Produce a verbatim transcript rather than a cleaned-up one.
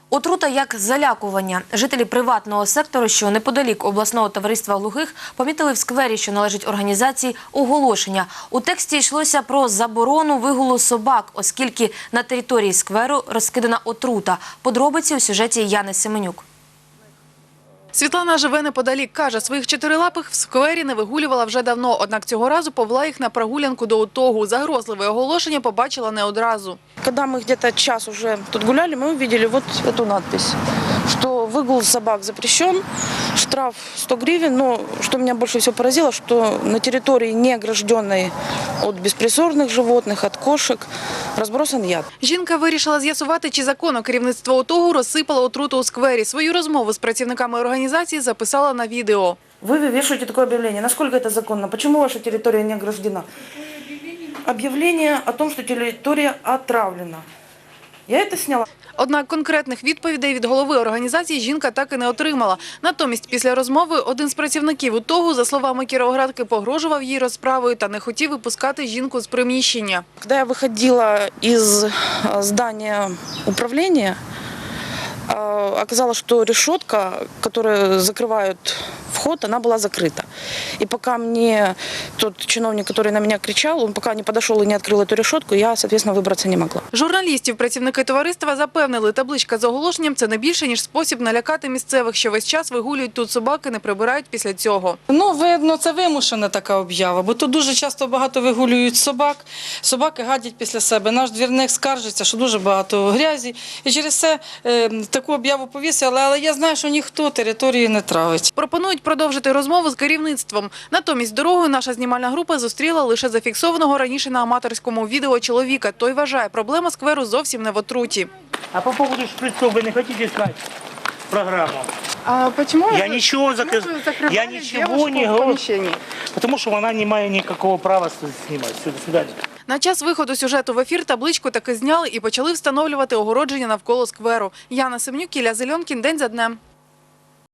Отрута як залякування. Жителі приватного сектору, що неподалік обласного товариства глухих, помітили в сквері, що належить організації, оголошення. У тексті йшлося про заборону вигулу собак, оскільки на території скверу розкидана отрута. Подробиці у сюжеті Яни Семенюк. Світлана живе неподалік. Каже, своїх чотирилапих в сквері не вигулювала вже давно. Однак цього разу повела їх на прогулянку до утогу. Загрозливе оголошення побачила не одразу. Когда мы где-то час уже тут гуляли, мы увидели вот эту надпись, что выгул собак запрещен, штраф сто гривен. Но что меня больше всего поразило, что на территории, не огражденной от беспризорных животных, от кошек, разбросан яд. Жінка вирішила з'ясувати, чи законно керівництво утогу розсипало отруту у сквері. Свою розмову з працівниками організації записала на відео. Вы вешаете такое объявление. Насколько это законно? Почему ваша территория не ограждена? Объявление о том, что территория отравлена. Я это сняла. Однак конкретних відповідей від голови організації жінка так і не отримала. Натомість після розмови один з працівників УТОГу, за словами кіровоградки, погрожував їй розправою та не хотів випускати жінку з приміщення. Когда я выходила из здания управления, оказалось, что решетка, которая закрывает вход, она была закрыта. И пока мне тот чиновник, который на меня кричал, он пока не подошел и не открыл эту решетку, я, соответственно, выбраться не могла. Журналістів працівники товариства запевнили, табличка з оголошенням – це не більше, ніж спосіб налякати місцевих, що весь час вигулюють тут собаки, не прибирають після цього. Ну, видно, це вимушена така об'ява, бо тут дуже часто багато вигулюють собак, собаки гадять після себе. Наш двірник скаржиться, що дуже багато грязі, і через це е, таку об'яву повісили, але я знаю, що ніхто території не травить. Пропонують продовжити розмову з керівництвом. Натомість дорогою наша знімальна група зустріла лише зафіксованого раніше на аматорському відео чоловіка. Той вважає, проблема скверу зовсім не в отруті. А по поводу шприцов вы не хотите сказать программу? А почему я ничего, зак... я ничего не говорю, потому что она не имеет никакого права снимать. Все, до свидания. На час виходу сюжету в ефір табличку таки зняли і почали встановлювати огородження навколо скверу. Яна Семенюк, Ілля Зеленкін. День за днем.